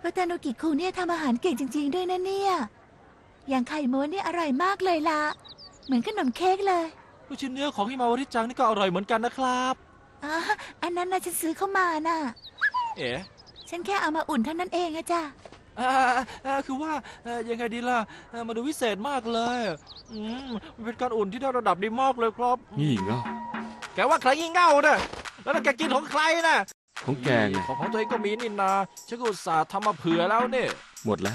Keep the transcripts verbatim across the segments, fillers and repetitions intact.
วัตานุกิคุเนี่ยทำอาหารเก่งจริงๆด้วยนะเนี่ยอย่างไข่ม้วนนี่อร่อยมากเลยล่ะเหมือนขนมเค้กเลยลูกชิ้นเนื้อของฮิมาวาริจังนี่ก็อร่อยเหมือนกันนะครับอ๋ออันนั้นนะฉันซื้อเข้ามาน่ะเอ๋ฉันแค่เอามาอุ่นเท่านั้นเองอะจ้ะอ่าอ่าคือว่าอ่ายังไงดีล่ะอ่ามาดูวิเศษมากเลยอืมมันเป็นการอุ่นที่ได้ระดับดีมากเลยครับงี่เง่าแกว่าใครงี่เง่าเนี่ยแล้วแกกินของใครน่ะของแกไงของของตัวเองก็มีนี่นาฉันก็อุตส่าห์ทำมาเผื่อแล้วเนี่ยหมดแล้ว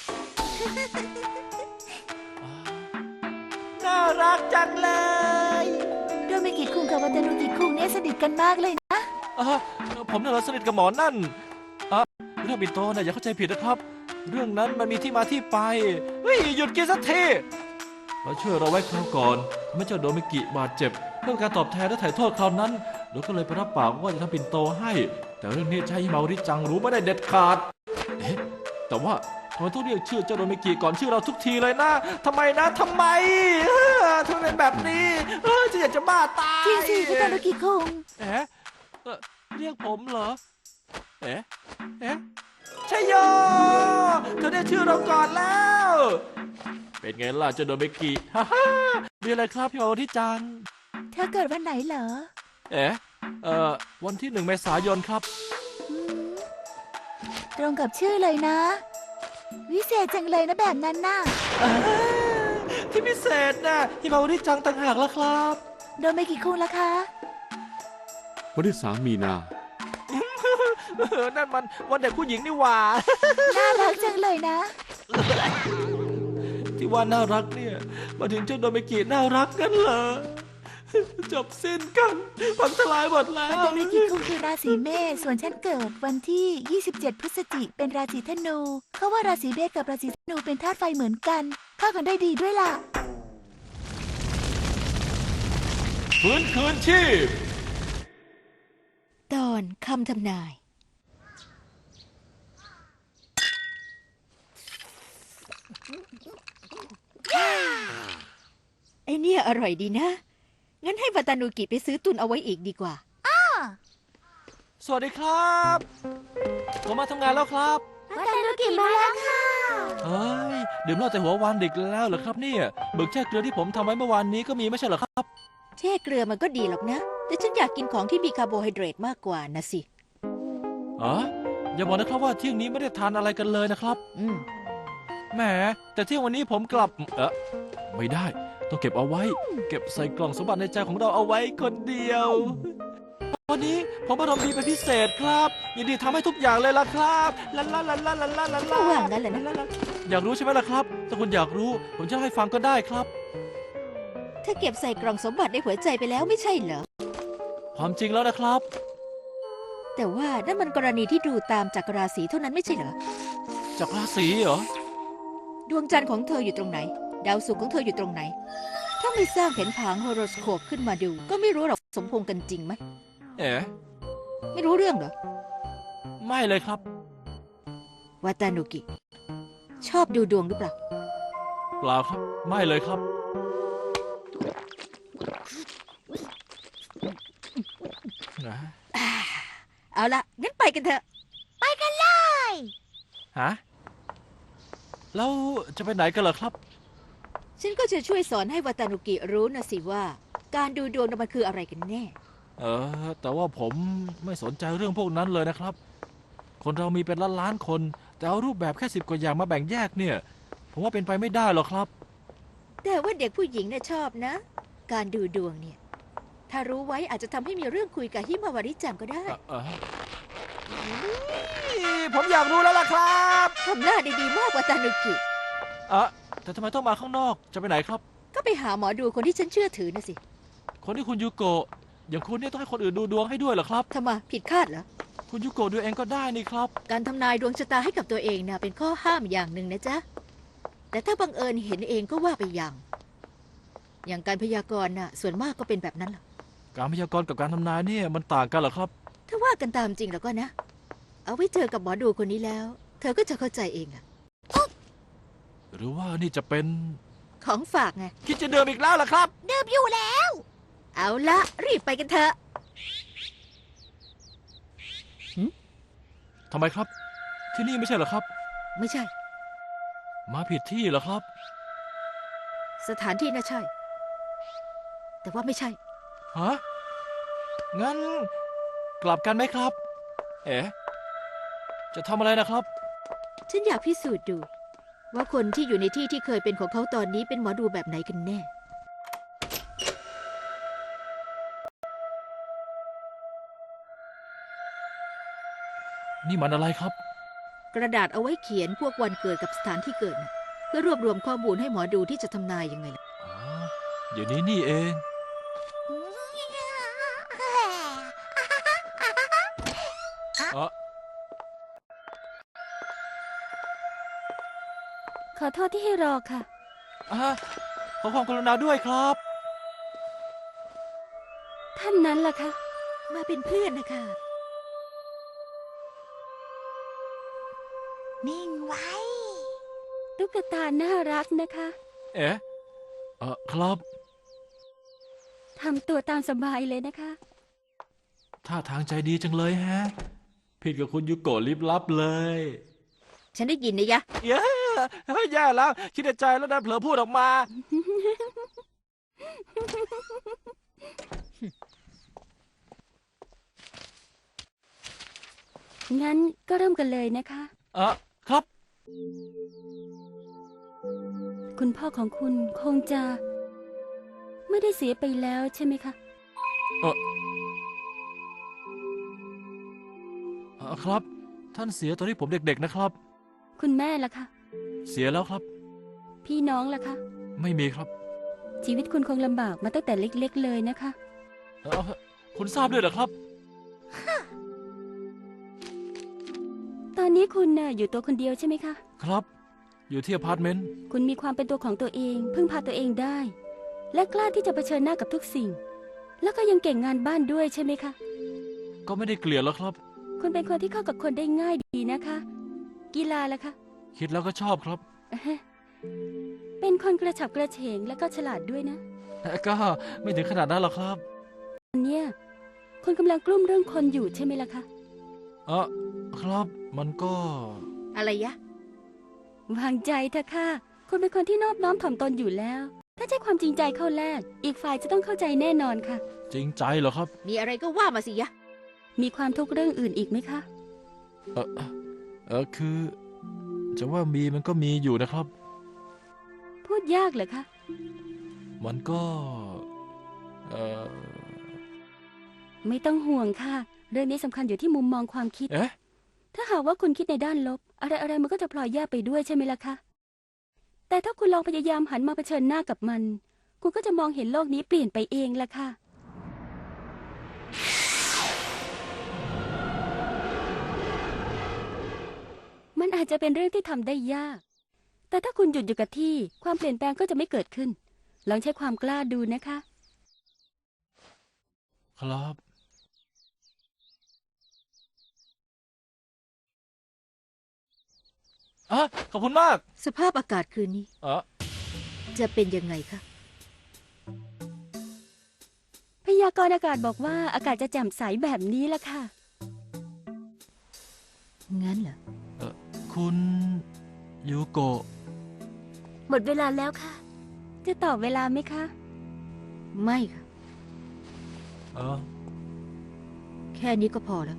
น่ารักจังเลยโดเมกิคุงกับวัตานุกิคุงเนี่ยสนิทกันมากเลยนะอ่าผมน่ะเหรอสนิทกับหมอนั่นอ่ะเรื่องปิ่นโตน่ะอย่าเข้าใจผิดนะครับเรื่องนั้นมันมีที่มาที่ไปเฮ้ยหยุดกินสักทีเราช่วยเราไว้คราวก่อนไม่เจ้าโดเมกิบาดเจ็บเพื่อการตอบแทนและถ่ายโทษคราวนั้นเราก็เลยไปรับปากว่าจะทำปิ่นโตให้แต่เรื่องนี้ใช้ฮิมาริจังรู้ไม่ได้เด็ดขาดเอ๊ะแต่ว่าทำไมต้องเรียกชื่อเจ้าโดเมกิก่อนชื่อเราทุกทีเลยนะทำไมนะทำไมเออทำไมเป็นแบบนี้เออจะอยากจะบ้าตายจริงสิวัตานุกิคุงเอ๊ะเอ่อเรียกผมเหรอเอ๊ะเอ๊ะชัยโยเธอได้ชื่อเราก่อนแล้วเป็นไงล่ะเจ้าโดเมกิฮ่าฮ่ามีอะไรครับพี่โอที่จังเธอเกิดวันไหนเหรอเอ๊ะเอ่อวันที่หนึ่งเมษายนครับตรงกับชื่อเลยนะวิเศษจังเลยนะแบบนั้นน่ะที่พิเศษนะที่มาวันที่จังต่างหากแล้วครับโดเมกิคุงล่ะคะวันที่สามมีนานั่นมันวันเด็กผู้หญิงนี่หว่าน่ารักจังเลยนะที่ว่าน่ารักเนี่ยมาถึงเจ้าโดเมกิน่ารักกันเหรอจบสิ้นกันพังทลายหมดแล้วโดเมกิคุงคือราศีเมษส่วนฉันเกิดวันที่ยี่สิบเจ็ดพฤศจิกเป็นราศีธนูเขาว่าราศีเมษกับราศีธนูเป็นธาตุไฟเหมือนกันเข้ากันได้ดีด้วยล่ะฟื้นคืนชีพตอนคำทำนายไอเนี่ยอร่อยดีนะงั้นให้วัตานุกิไปซื้อตุนเอาไว้อีกดีกว่าอ้าสวัสดีครับผมมาทำงานแล้วครับวัตานุกิมาแล้วค่ะเฮ้ยดื่มเหล้าแต่หัววันดึกแล้วเหรอครับเนี่ยเบิกแช่เกลือที่ผมทำไว้เมื่อวานนี้ก็มีไม่ใช่เหรอครับแช่เกลือมันก็ดีหรอกนะแต่ฉันอยากกินของที่มีคาร์โบไฮเดรตมากกว่านะสิอ๋ออย่าบอกนะครับว่าเที่ยงนี้ไม่ได้ทานอะไรกันเลยนะครับอืมแหมแต่เที่ยงวันนี้ผมกลับเออไม่ได้ต้องเก็บเอาไว้เก็บใส่กล่องสมบัติในใจของเราเอาไว้คนเดียววันนี้ผมอารมณ์ดีเป็นพิเศษครับยินดีทำให้ทุกอย่างเลยล่ะครับลาลาลาลาลาลาลาก็ว่างั้นแหละนะอยากรู้ใช่ไหมล่ะครับถ้าคุณอยากรู้ผมจะให้ฟังก็ได้ครับถ้าเก็บใส่กล่องสมบัติในหัวใจไปแล้วไม่ใช่เหรอความจริงแล้วนะครับแต่ว่านั่นมันกรณีที่ดูตามจากราศีเท่านั้นไม่ใช่เหรอจากราศีเหรอดวงจันทร์ของเธออยู่ตรงไหนดาวศุกร์ของเธออยู่ตรงไหนถ้าไม่สร้างแผนผังโฮโรสโคปขึ้นมาดูก็ไม่รู้หรอกสมพงษ์กันจริงไหมเอ๋ไม่รู้เรื่องเหรอไม่เลยครับวาตานุกิชอบดูดวงหรือเปล่าเปล่าครับไม่เลยครับเอาละงั้นไปกันเถอะไปกันเลยฮะแล้วจะไปไหนกันเหรอครับฉันก็จะช่วยสอนให้วาตานุกิรู้นะสิว่าการดูดวงมันคืออะไรกันแน่เออแต่ว่าผมไม่สนใจเรื่องพวกนั้นเลยนะครับคนเรามีเป็นล้านล้านคนแต่เอารูปแบบแค่สิบกว่าอย่างมาแบ่งแยกเนี่ยผมว่าเป็นไปไม่ได้หรอกครับแต่ว่าเด็กผู้หญิงเนี่ยชอบนะการดูดวงเนี่ยถ้ารู้ไว้อาจจะทำให้มีเรื่องคุยกับฮิมาวาริจังก็ได้ผมอยากรู้แล้วล่ะครับทำหน้าดีๆมากวาตานุกิอ่ะแต่ทำไมต้องมาข้างนอกจะไปไหนครับก็ไปหาหมอดูคนที่ฉันเชื่อถือนะสิคนที่คุณยูโกะอย่างคุณเนี่ยต้องให้คนอื่นดูดวงให้ด้วยเหรอครับทำไมผิดคาดเหรอคุณยูโกะดูเองก็ได้นี่ครับการทำนายดวงชะตาให้กับตัวเองนะเป็นข้อห้ามอย่างหนึ่งนะจ๊ะแต่ถ้าบังเอิญเห็นเองก็ว่าไปอย่างอย่างการพยากรณ์น่ะส่วนมากก็เป็นแบบนั้นหรอการพยากรณ์กับการทำนายเนี่ยมันต่างกันเหรอครับถ้าว่ากันตามจริงแล้วก็นะเอาไว้เจอกับหมอดูคนนี้แล้วเธอก็จะเข้าใจเองอะหรือว่านี่จะเป็นของฝากไงคิดจะเดิมอีกแล้วเหรอครับเดิมอยู่แล้วเอาละรีบไปกันเถอะทำไมครับที่นี่ไม่ใช่เหรอครับไม่ใช่มาผิดที่เหรอครับสถานที่น่ะใช่ แต่ว่าไม่ใช่ฮะ งั้น กลับกันไหมครับ เอ๋จะทำอะไรนะครับฉันอยากพิสูจน์ดู ว่าคนที่อยู่ในที่ที่เคยเป็นของเขาตอนนี้เป็นหมอดูแบบไหนกันแน่นี่มันอะไรครับกระดาษเอาไว้เขียนพวกวันเกิดกับสถานที่เกิดน่ะเพื่อรวบรวมข้อมูลให้หมอดูที่จะทำนายยังไงล่ะอ๋อ เดี๋ยวนี้นี่เอง เออขอโทษที่ให้รอค่ะอ่ะขอความกรุณาด้วยครับท่านนั้นล่ะคะมาเป็นเพื่อนนะคะนิ่งไว้ ตุ๊กตาน่ารักนะคะเอ๋เออครับทำตัวตามสบายเลยนะคะท่าทางใจดีจังเลยแฮะ ผิดกับคุณยูโกะลิบลับเลยฉันได้ยินนะยะเย้เฮ้ยแย่แล้ว คิดในใจแล้วดันเผลอพูดออกมางั้นก็เริ่มกันเลยนะคะเออครับคุณพ่อของคุณคงจะ ไม่ได้เสียไปแล้วใช่ไหมคะเออเอ่อครับ ท่านเสียตอนที่ผมเด็กๆนะครับคุณแม่ล่ะคะเสียแล้วครับพี่น้องล่ะคะไม่มีครับชีวิตคุณคงลำบากมาตั้งแต่เล็กๆเลยนะคะเออคุณทราบด้วยเหรอครับตอนนี้คุณน่ะอยู่ตัวคนเดียวใช่ไหมคะครับ อยู่ที่อพาร์ตเมนต์คุณมีความเป็นตัวของตัวเอง พึ่งพาตัวเองได้ และกล้าที่จะเผชิญหน้ากับทุกสิ่ง แล้วก็ยังเก่งงานบ้านด้วยใช่ไหมคะก็ไม่ได้เกลียดแล้วครับคุณเป็นคนที่เข้ากับคนได้ง่ายดีนะคะ กีฬาล่ะคะคิดแล้วก็ชอบครับเป็นคนกระฉับกระเฉงและก็ฉลาดด้วยนะแต่ก็ไม่ถึงขนาดนั้นหรอกครับอันเนี้ยคุณกำลังกลุ้มเรื่องคนอยู่ใช่ไหมล่ะคะเออครับ มันก็อะไรยะวางใจเถอะค่ะ คุณเป็นคนที่นอบน้อมถ่อมตนอยู่แล้ว ถ้าใช้ความจริงใจเข้าแลกอีกฝ่ายจะต้องเข้าใจแน่นอนค่ะจริงใจเหรอครับมีอะไรก็ว่ามาสิยะมีความทุกข์เรื่องอื่นอีกไหมคะเออเออคือ จะว่ามีมันก็มีอยู่นะครับพูดยากเหรอคะมันก็ เออไม่ต้องห่วงค่ะ เรื่องนี้สำคัญอยู่ที่มุมมองความคิดเอ๊ะถ้าหากว่าคุณคิดในด้านลบ อะไรอะไรๆมันก็จะพลอยแย่ไปด้วยใช่ไหมล่ะคะ แต่ถ้าคุณลองพยายามหันมาเผชิญหน้ากับมัน คุณก็จะมองเห็นโลกนี้เปลี่ยนไปเองล่ะค่ะ มันอาจจะเป็นเรื่องที่ทำได้ยาก แต่ถ้าคุณหยุดอยู่กับที่ ความเปลี่ยนแปลงก็จะไม่เกิดขึ้น ลองใช้ความกล้าดูนะคะครับ อ่ะ ขอบคุณมากสภาพอากาศคืนนี้เออจะเป็นยังไงคะพยากรณ์อากาศบอกว่าอากาศจะแจ่มใสแบบนี้ล่ะค่ะงั้นเหรอเออคุณยูโกะหมดเวลาแล้วค่ะ จะตอบเวลาไหมคะไม่ค่ะเออแค่นี้ก็พอแล้ว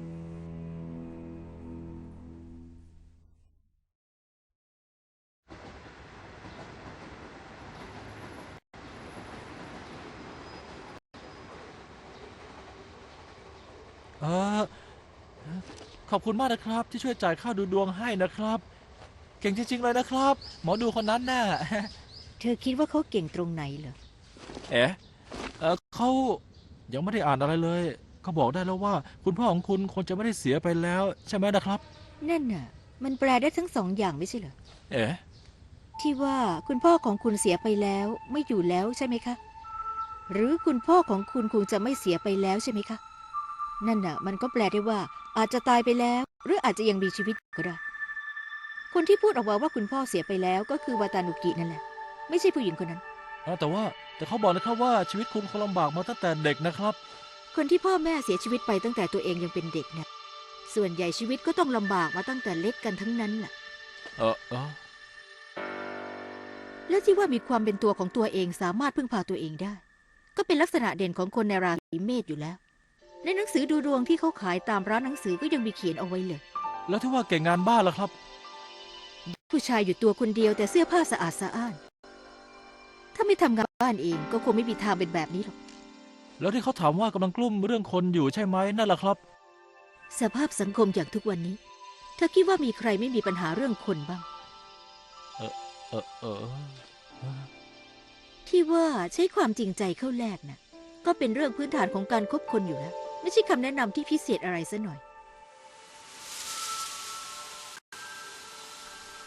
เออ ขอบคุณมากนะครับ ที่ช่วยจ่ายค่าดูดวงให้นะครับ เก่งจริงๆเลยนะครับ หมอดูคนนั้นน่ะเธอคิดว่าเขาเก่งตรงไหนเหรอเอ๋เออเขายังไม่ได้อ่านอะไรเลยเขาบอกได้แล้วว่า คุณพ่อของคุณคงจะไม่ได้เสียไปแล้ว ใช่ไหมนะครับนั่นน่ะ มันแปลได้ทั้งสองอย่างไม่ใช่เหรอเอ๋ที่ว่าคุณพ่อของคุณเสียไปแล้วไม่อยู่แล้วใช่ไหมคะ หรือคุณพ่อของคุณคงจะไม่เสียไปแล้วใช่ไหมคะ นั่นน่ะ มันก็แปลได้ว่า อาจจะตายไปแล้ว หรืออาจจะยังมีชีวิตอยู่ก็ได้ คนที่พูดออกมาว่าคุณพ่อเสียไปแล้วก็คือวาตานุกินั่นแหละ ไม่ใช่ผู้หญิงคนนั้นเอ้าแต่ว่าแต่เขาบอกนะครับว่าชีวิตคุณคงลำบากมาตั้งแต่เด็กนะครับคนที่พ่อแม่เสียชีวิตไปตั้งแต่ตัวเองยังเป็นเด็กเนี่ยส่วนใหญ่ชีวิตก็ต้องลำบากมาตั้งแต่เล็กกันทั้งนั้นแหละเออเออและที่ว่ามีความเป็นตัวของตัวเองสามารถพึ่งพาตัวเองได้ ก็เป็นลักษณะเด่นของคนในราศีเมษอยู่แล้ว ในหนังสือดูดวงที่เขาขายตามร้านหนังสือก็ยังมีเขียนเอาไว้เลยแล้วที่ว่าเก่งงานบ้านล่ะครับผู้ชายอยู่ตัวคนเดียวแต่เสื้อผ้าสะอาดสะอ้าน ถ้าไม่ทำงานบ้านเองก็คงไม่มีทางเป็นแบบนี้หรอกแล้วที่เขาถามว่ากำลังกลุ้มเรื่องคนอยู่ใช่ไหมนั่นแหละครับสภาพสังคมอย่างทุกวันนี้เธอคิดว่ามีใครไม่มีปัญหาเรื่องคนบ้างเออเออเออที่ว่าใช้ความจริงใจเข้าแลกนะก็เป็นเรื่องพื้นฐานของการคบคนอยู่แล้ว ไม่ใช่คำแนะนำที่พิเศษอะไรซะหน่อย